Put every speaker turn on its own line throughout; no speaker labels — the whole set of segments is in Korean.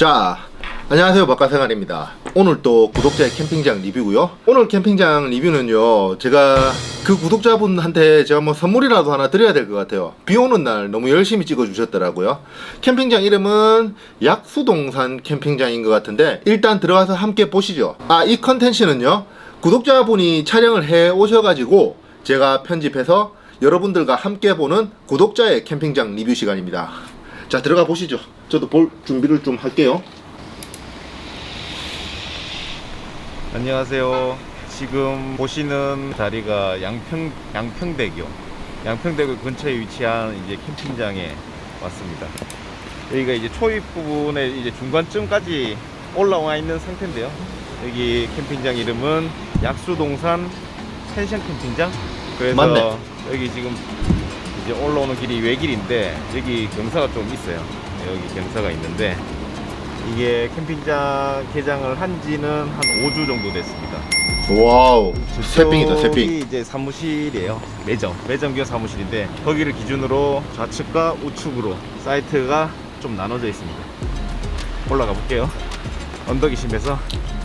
자, 안녕하세요, 바깥생활입니다. 오늘 또 구독자의 캠핑장 리뷰고요. 오늘 캠핑장 리뷰는요, 제가 그 구독자분한테 제가 뭐 선물이라도 하나 드려야 될 것 같아요. 비 오는 날 너무 열심히 찍어 주셨더라고요. 캠핑장 이름은 약수동산 캠핑장인 것 같은데 일단 들어가서 함께 보시죠. 이 컨텐츠는요, 구독자분이 촬영을 해 오셔가지고 제가 편집해서 여러분들과 함께 보는 구독자의 캠핑장 리뷰 시간입니다. 자, 들어가 보시죠. 저도 볼 준비를 좀 할게요.
안녕하세요. 지금 보시는 자리가 양평대교 근처에 위치한 이제 캠핑장에 왔습니다. 여기가 이제 초입 부분에 이제 중간쯤까지 올라와 있는 상태인데요. 여기 캠핑장 이름은 약수동산 펜션 캠핑장. 그래서
맞네.
여기 지금 이제 올라오는 길이 외길인데 여기 경사가 좀 있어요. 여기 경사가 있는데 이게 캠핑장 개장을 한 지는 한 5주 정도 됐습니다.
와우, 새삥이다, 새삥.
여기 이제 사무실이에요. 매점 겸 사무실인데 거기를 기준으로 좌측과 우측으로 사이트가 좀 나눠져 있습니다. 올라가 볼게요. 언덕이 심해서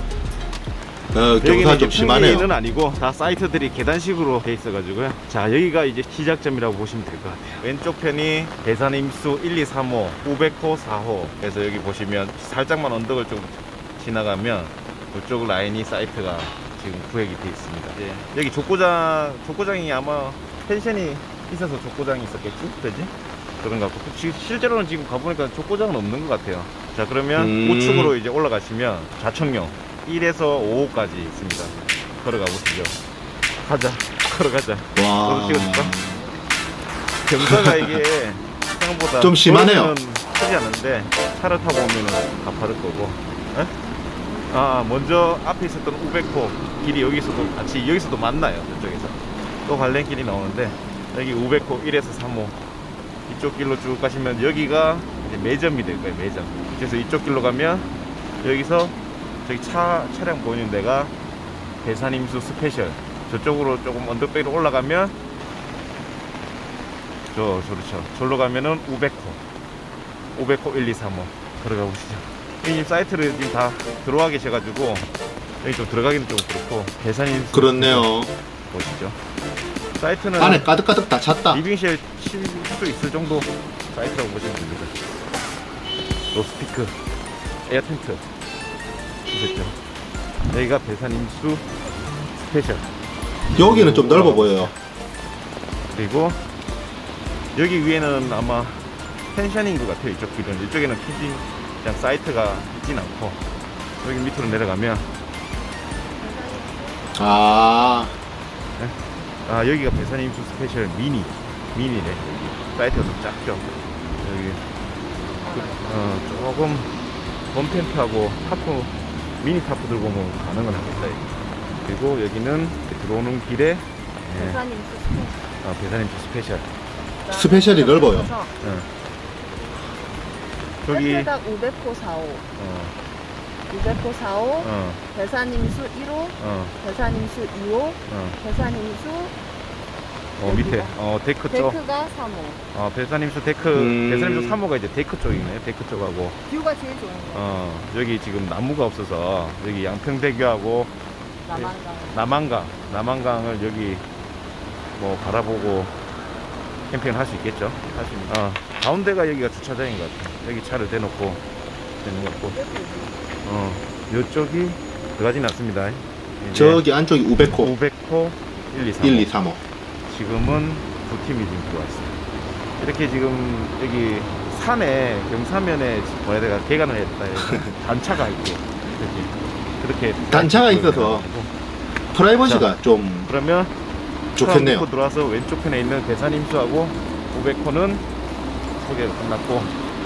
경사 좀 심하네요.
여기는 아니고 다 사이트들이 계단식으로 돼 있어가지고요. 자, 여기가 이제 시작점이라고 보시면 될 것 같아요. 왼쪽 편이 대산임수 1, 2, 3호, 500호, 4호. 그래서 여기 보시면 살짝만 언덕을 좀 지나가면 이쪽 라인이 사이트가 지금 구획이 돼 있습니다. 예. 여기 족구장이 아마 펜션이 있어서 족구장이 있었겠지? 그지? 그런 것 같고 실제로는 지금 가보니까 족구장은 없는 것 같아요. 자, 그러면 우측으로 이제 올라가시면 좌측령 1에서 5호까지 있습니다. 걸어가 보시죠. 가자. 걸어가자.
와.
너도 찍어줄까? 경사가 이게 생각보다
좀 심하네요.
도로는 크지 않은데 차를 타고 오면은 가파를 거고. 에? 먼저 앞에 있었던 500호 길이 여기서도 만나요. 저쪽에서 또 관련길이 나오는데 여기 500호 1에서 3호 이쪽 길로 쭉 가시면 여기가 이제 매점이 될 거예요. 매점. 그래서 이쪽 길로 가면 여기서 저기 차량 보이는 데가 대산임수 스페셜. 저쪽으로 조금 언덕배로 올라가면 그렇죠. 저로 가면은 500호 1, 2, 3호 걸어가 보시죠. 이 사이트를 지금 다 들어와 계셔가지고 여기 좀 들어가기는 좀 그렇고 대산임수
그렇네요.
보시죠. 사이트는
안에 가득가득 다 찼다.
리빙쉘 칠 수 있을 정도 사이트라고 보시면 됩니다. 로스피크 에어 텐트 보셨죠? 여기가 대산임수 스페셜.
여기는 좀 넓어 보여요.
그리고 여기 위에는 아마 펜션인 것 같아요. 이쪽 길은. 이쪽에는 캠핑장 사이트가 있진 않고 여기 밑으로 내려가면 여기가 대산임수 스페셜 미니네. 여기 사이트가 좀 작죠. 여기 조금 봄텐트하고 타프 미니 타프 들고 오면 가능은 하겠다. 그리고 여기는 들어오는 길에 대산임수 스페셜.
스페셜이 넓어요.
저기
500호 4호 600호 4호 대산임수 1호 대산임수 2호 대산임수
밑에 데크 쪽.
데크가 3호
대산임수 데크. 대산임수 3호가 이제 데크 쪽이네. 데크 쪽하고
뷰가 제일 좋은 거
여기 지금 나무가 없어서 여기 양평대교하고 남한강을 여기 뭐 바라보고 캠핑을 할 수 있겠죠. 가운데가 여기가 주차장인 것 같아요. 여기 차를 대놓고 되는 것 같고 이쪽이 들어가진 않습니다.
저기 안쪽이 500호
500호 1, 2, 3호
1, 2, 3호.
지금은 두 팀이 지금 들어와 있어요. 이렇게 지금 여기 산에 경사면에 뭐야 내가 개간을 했다 해서 단차가 있고 그렇게
단차가 있어서 프라이버시가 좀
그러면
좋겠네요.
들어와서 왼쪽 편에 있는 대산임수하고 500호는 소개가 끝났고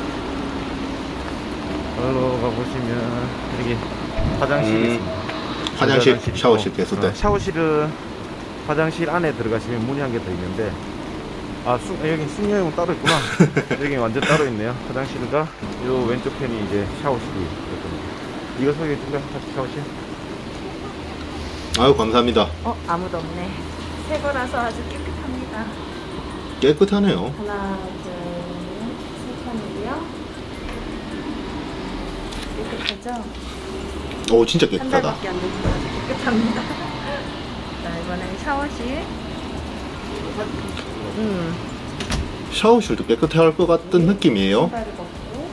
들어가 보시면 여기 화장실이 있습니다.
화장실, 샤워실 개수대.
샤워실은 화장실 안에 들어가시면 문이 한 개 더 있는데 여기 숙녀용은 따로 있구나. 여기 완전 따로 있네요. 화장실과 요 왼쪽 편이 이제 샤워실이 있거든요. 이거 소개해 줄까? 샤워실?
아유, 감사합니다.
아무도 없네. 새 거라서 아주 깨끗합니다.
깨끗하네요.
하나 둘 셋 칸이고요. 깨끗하죠?
오 진짜
한
깨끗하다.
달밖에 안 되지만 깨끗합니다. 자, 이번엔 샤워실.
샤워실도 깨끗해할 것 같은 느낌이에요.
신발을 벗고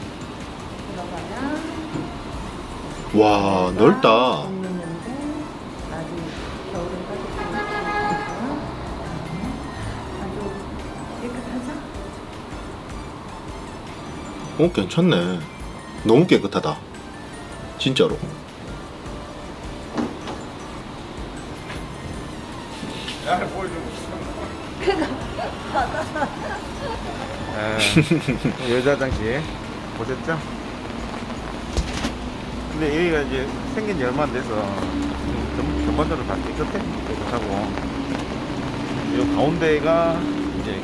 들어가면
와 넓다.
있는데 아주 겨울은 따뜻하고 아주 깨끗하죠?
오 괜찮네. 너무 깨끗하다. 진짜로.
여자 화장실 보셨죠? 근데 여기가 이제 생긴 지 얼마 안 돼서 전반적으로 다 깨끗하고 이 가운데가 이제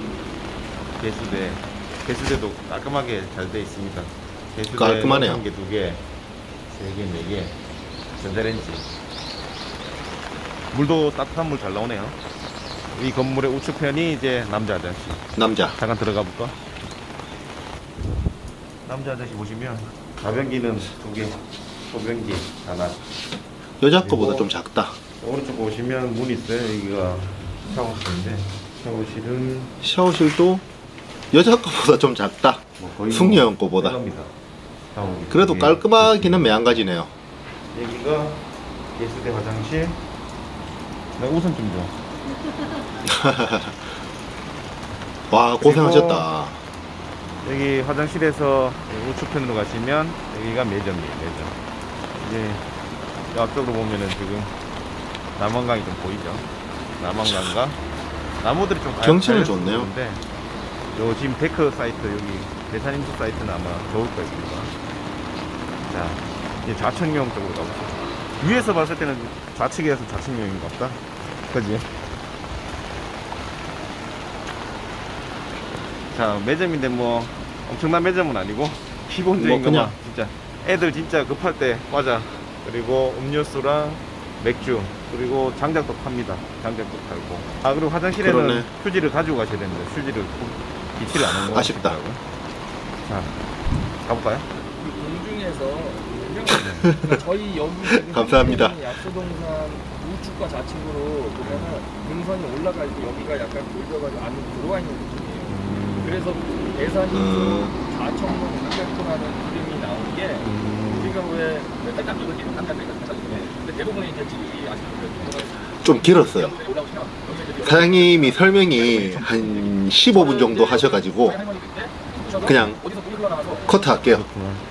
개수대도 깔끔하게 잘 돼 있습니다. 개수대
깔끔하네요.
1개, 2개, 3개, 4개, 전자레인지. 물도 따뜻한 물 잘 나오네요. 이 건물의 우측편이 이제 남자 화장실.
남자.
잠깐 들어가 볼까? 남자 화장실 보시면 가변기는 2개, 소변기 하나.
여자 거보다 좀 작다.
오른쪽 보시면 문이 있어요. 여기가 샤워실인데 샤워실은
샤워실도 여자 거보다 좀 작다.
뭐 거의
숙녀형 거보다.
새겁니다. 샤워기.
그래도
여기
깔끔하기는 매한가지네요.
여기가 예수대 화장실. 나 우선 좀 줘.
와 고생하셨다.
여기 화장실에서 우측편으로 가시면 여기가 매점이에요. 매점. 이제 이 앞쪽으로 보면은 지금 남한강이 좀 보이죠. 남한강과 나무들이 좀
경치는 좋네요.
요 지금 데크 사이트 여기 대산임수 사이트는 아마 좋을 거였습니다. 자 이제 좌측면 쪽으로 가보죠. 위에서 봤을 때는 좌측이라서 좌측면인 것 같다. 그지? 자 매점인데 뭐 엄청난 매점은 아니고 기본적인
뭐 그냥.
것만 진짜 애들 진짜 급할 때 과자 그리고 음료수랑 맥주 그리고 장작도 팝니다. 장작도 팔고 아 그리고 화장실에는
그러네.
휴지를 가지고 가셔야 됩니다. 휴지를 비치를 안 한거
아쉽다.
자 가볼까요?
공중에서 그러니까 저희 여기 지금
감사합니다.
약수동산 우측과 좌측으로 보면은 능선이 올라갈 때 여기가 약간 돌려가지고 안으로 들어와 있는 느낌이에요. 그래서 대산이 좌청문 500호라는 이름이 나온 게 우리가 왜 딱딱 이걸 지금 한다고 근데 대부분의 이제 집이 아직도
좀 길었어요.
올라오시면
사장님이 설명이 한 15분 정도 하셔가지고 그냥
어디서 물이 흘러나와서
커트 할게요.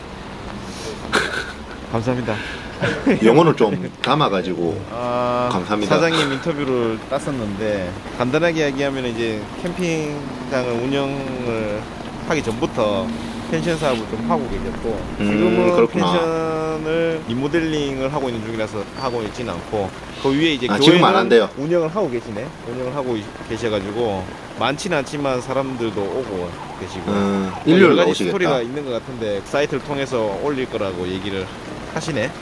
감사합니다.
영혼을 좀 담아가지고 감사합니다.
사장님 인터뷰를 땄었는데 간단하게 이야기하면 이제 캠핑장을 운영을 하기 전부터 펜션 사업을 좀 하고 계셨고 지금은
그렇구나.
펜션을 리모델링을 하고 있는 중이라서 하고 있지는 않고 그 위에 이제
지금 안
교회는
한대요.
운영을 하고 계시네. 운영을 하고 계셔가지고 많지는 않지만 사람들도 오고 계시고
일요일
여러 가지
나오시겠다.
스토리가 있는 것 같은데 사이트를 통해서 올릴 거라고 얘기를 하시네.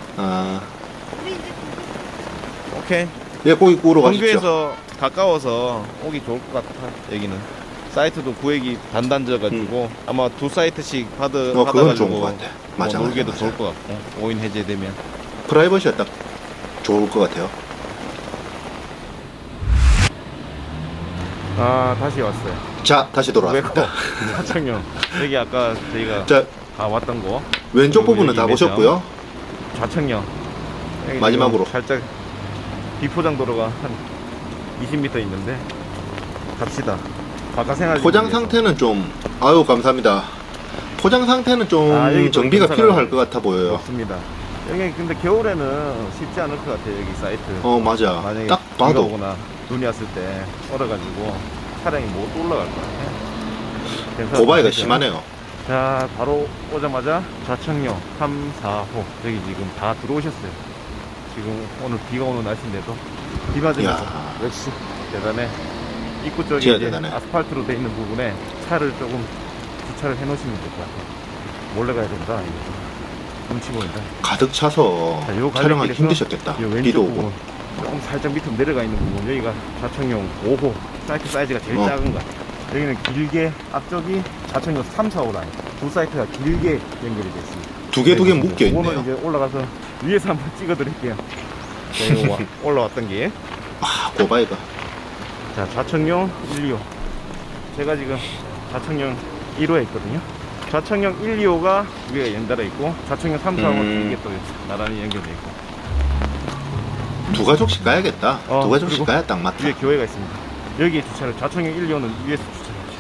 오케이.
예, 고기 구우러 가십시오.
동교에서 가까워서 오기 좋을 것 같아. 여기는 사이트도 구획이 단단져가지고 아마 2사이트씩
그건
받아가지고
좋은 것 같아. 맞아,
뭐 놀기도
맞아,
좋을
맞아.
것 같고 5인 해제되면.
프라이버시가 딱 좋을 것 같아요.
다시 왔어요.
자, 다시 돌아왔습니다.
사창령 여기 아까 저희가
자,
왔던 거
왼쪽
그리고
부분은
여기
다
매점.
보셨고요.
좌측령 여기
마지막으로.
지금 살짝 비포장 도로가 한 20m 있는데 갑시다. 바깥 생활
포장 상태는 좀 아유 감사합니다. 포장 상태는 좀
여기
정비가
경사가
필요할 것 같아 보여요.
좋습니다. 여기 근데 겨울에는 쉽지 않을 것 같아요. 여기 사이트.
맞아.
만약에
딱
비가
봐도
오거나 눈이 왔을 때 얼어가지고 차량이 못 올라갈 것 같아요. 그래서
고바이가
진짜-
심하네요.
자 바로 오자마자 좌측령 3, 4호 여기 지금 다 들어오셨어요. 지금 오늘 비가 오는 날씨인데도 비 맞으면서
이야.
역시 대단해. 입구 쪽에
진짜
이제
대단해.
아스팔트로 돼 있는 부분에 차를 조금 주차를 해놓으시면 될 것 같아요. 몰래 가야 된다. 이거. 눈치 보인다.
가득 차서
자, 요
촬영하기
갈래길에서
힘드셨겠다.
요 왼쪽
비도 오고.
부분 조금 살짝 밑으로 내려가 있는 부분 여기가 좌측용 5호 사이트가 제일 작은 것 같아요. 여기는 길게 앞쪽이 좌측용 3, 4호 라인 두 사이트가 길게 연결이 되어 있습니다.
두 개 묶여
이거는
있네요.
이제 올라가서 위에서 한번 찍어드릴게요. 자, 이거 올라왔던 게.
아, 고바이가.
자, 좌측용 1, 2호. 제가 지금 좌측용 1호에 있거든요. 좌측용 1, 2호가 위에 연달아 있고, 좌측용 3, 4호는 이게 또 나란히 연결돼 있고.
두 가족씩 가야겠다. 두 가족씩
그리고
가야 딱 맞다.
위에 교회가 있습니다. 여기에 주차를, 좌측용 1, 2호는 위에서 주차를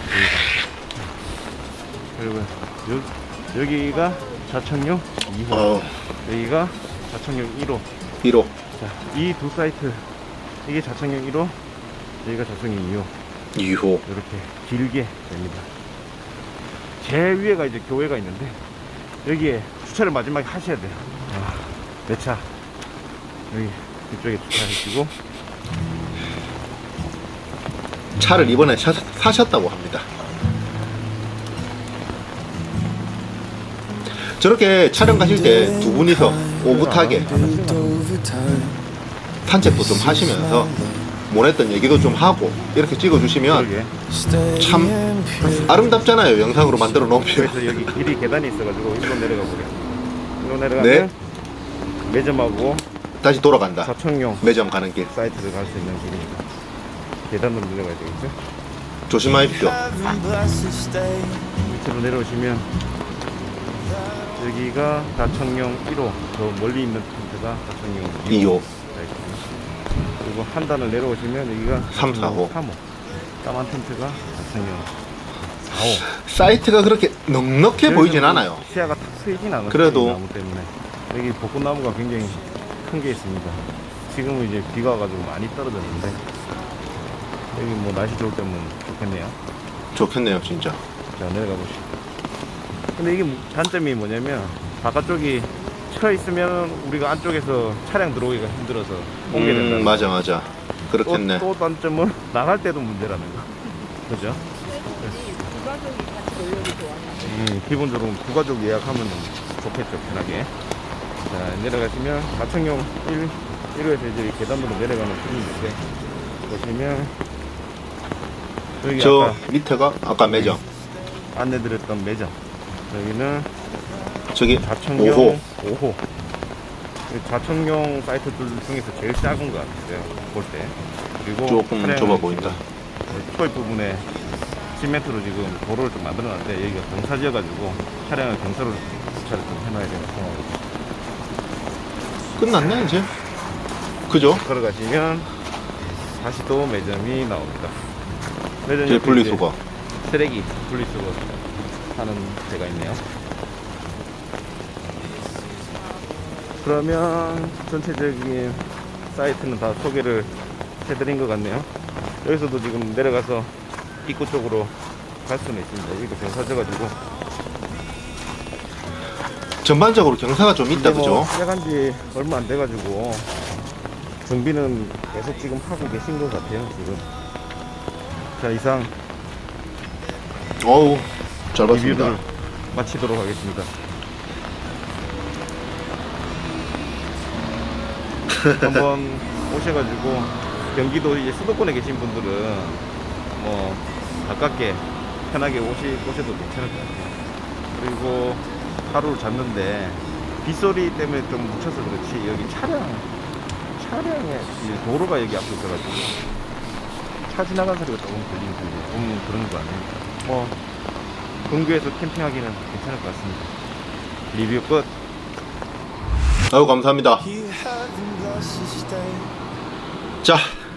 하죠. 그리고 여기가 좌측용 2호. 여기가 좌측용 1호.
1호.
자, 이 두 사이트, 이게 좌측용 1호, 여기가 좌측용 2호.
2호.
이렇게 길게 됩니다. 제일 위에가 이제 교회가 있는데, 여기에 주차를 마지막에 하셔야 돼요. 내 차 여기 이쪽에 주차하시고.
차를 이번에 사셨다고 합니다. 저렇게 촬영 가실 때 두 분이서 오붓하게 산책도 좀 하시면서 못했던 얘기도 좀 하고 이렇게 찍어주시면
그러게.
참 아름답잖아요. 영상으로 만들어 놓으면.
그래서 여기 길이 계단이 있어가지고 일로 내려가 버려. 일로 내려가면
네.
매점하고
다시 돌아간다.
좌측용
매점 가는 길
사이트를 갈 수 있는 길이니까 계단으로 내려가야 되겠죠.
조심하십시오.
밑으로 내려오시면 여기가 좌측용 1호, 저 멀리 있는 텐트가 좌측용
2호.
그리고 한 단을 내려오시면 여기가
3, 4호.
3호. 까만 텐트가 좌측용 4호.
사이트가 그렇게 넉넉해 보이진 않아요.
시야가 탁 트이진 않아요.
그래도
나무 때문에. 여기 벚꽃나무가 굉장히 큰 게 있습니다. 지금은 이제 비가 와가지고 많이 떨어졌는데, 여기 뭐 날씨 좋을 때면 좋겠네요.
좋겠네요, 진짜.
자, 내려가 보시죠. 근데 이게 단점이 뭐냐면, 바깥쪽이 쳐 있으면 우리가 안쪽에서 차량 들어오기가 힘들어서 옮겨야 된다.
맞아. 그렇겠네.
또 단점은 나갈 때도 문제라는 거. 그죠?
두 가족이 같이 놀려도 좋아요.
기본적으로 두 가족 예약하면 좋겠죠, 편하게. 자, 내려가시면 좌측용 1호에서 이제 계단으로 내려가는 길인데, 보시면 여기
저
아까
밑에가 아까 매점.
안내드렸던 매점. 여기는
저기
좌측용
5호.
5호. 좌측용 사이트들 중에서 제일 작은 것 같아요, 볼 때. 그리고
조금
차량을
좁아 보인다.
초입 부분에 시멘트로 지금 도로를 좀 만들어놨는데, 여기가 경사지여가지고 차량을 경사로 주차를 좀 해놔야 되는 상황이죠.
끝났네 이제. 그죠?
걸어가시면 다시 또 매점이 나옵니다. 매점
제
옆에
분리수거.
이제 쓰레기 분리수거 하는 데가 있네요. 그러면 전체적인 사이트는 다 소개를 해드린 것 같네요. 여기서도 지금 내려가서 입구 쪽으로 갈 수는 있습니다. 여기도 경사져가지고.
전반적으로 경사가 좀 있다,
이제 뭐
그죠?
시작한 지 얼마 안 돼가지고 정비는 계속 지금 하고 계신 것 같아요, 지금. 자, 이상
어우, 잘 봤습니다.
리뷰를 마치도록 하겠습니다. 한번 오셔가지고 경기도 이제 수도권에 계신 분들은 뭐 가깝게 편하게 오셔도 괜찮을 것 같아요. 그리고 하루를 잤는데 빗소리 때문에 좀 묻혀서 그렇지, 여기 차량에 이제 도로가 여기 앞에 있어가지고 차 지나간 소리가 조금 들리는 그런 거 아닙니까? 뭐 근교에서 캠핑하기는 괜찮을 것 같습니다. 리뷰 끝.
아유, 감사합니다. 자,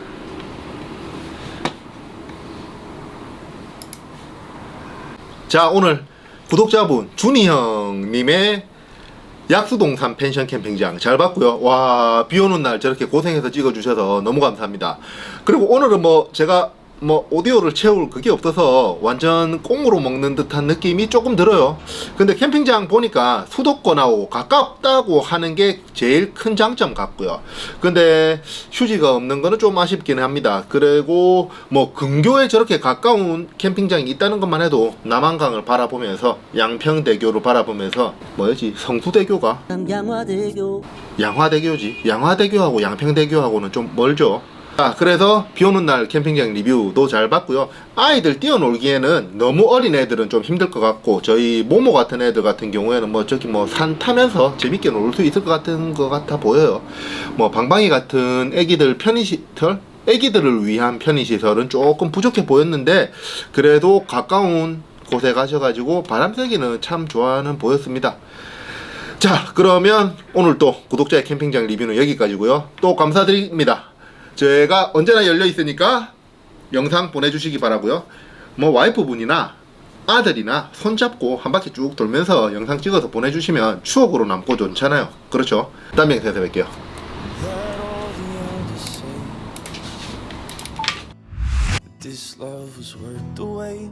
오늘 구독자분 준이 형님의 약수동산 펜션 캠핑장 잘 봤고요. 와, 비 오는 날 저렇게 고생해서 찍어주셔서 너무 감사합니다. 그리고 오늘은 뭐 제가 뭐 오디오를 채울 그게 없어서 완전 꽁으로 먹는 듯한 느낌이 조금 들어요. 근데 캠핑장 보니까 수도권하고 가깝다고 하는 게 제일 큰 장점 같고요. 근데 휴지가 없는 거는 좀 아쉽긴 합니다. 그리고 뭐 근교에 저렇게 가까운 캠핑장이 있다는 것만 해도 남한강을 바라보면서 양평대교를 바라보면서 뭐였지? 성수대교가?
양화대교
양화대교지. 양화대교하고 양평대교하고는 좀 멀죠. 그래서 비 오는 날 캠핑장 리뷰도 잘 봤고요. 아이들 뛰어놀기에는 너무 어린 애들은 좀 힘들 것 같고, 저희 모모 같은 애들 같은 경우에는 뭐 저기 뭐 산 타면서 재밌게 놀 수 있을 것 같아 보여요. 뭐 방방이 같은 애기들 편의시설, 애기들을 위한 편의시설은 조금 부족해 보였는데, 그래도 가까운 곳에 가셔가지고 바람 쐬기는 참 좋아하는 보였습니다. 자, 그러면 오늘 또 구독자의 캠핑장 리뷰는 여기까지고요. 또 감사드립니다. 제가 언제나 열려 있으니까 영상 보내주시기 바라고요. 뭐 와이프분이나 아들이나 손잡고 한 바퀴 쭉 돌면서 영상 찍어서 보내주시면 추억으로 남고 좋잖아요. 그렇죠? 다음 영상에서 뵐게요.
This love was worth the wait.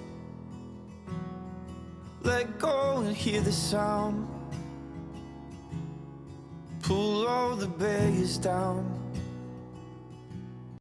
Let go and hear the sound. Pull all the barriers down.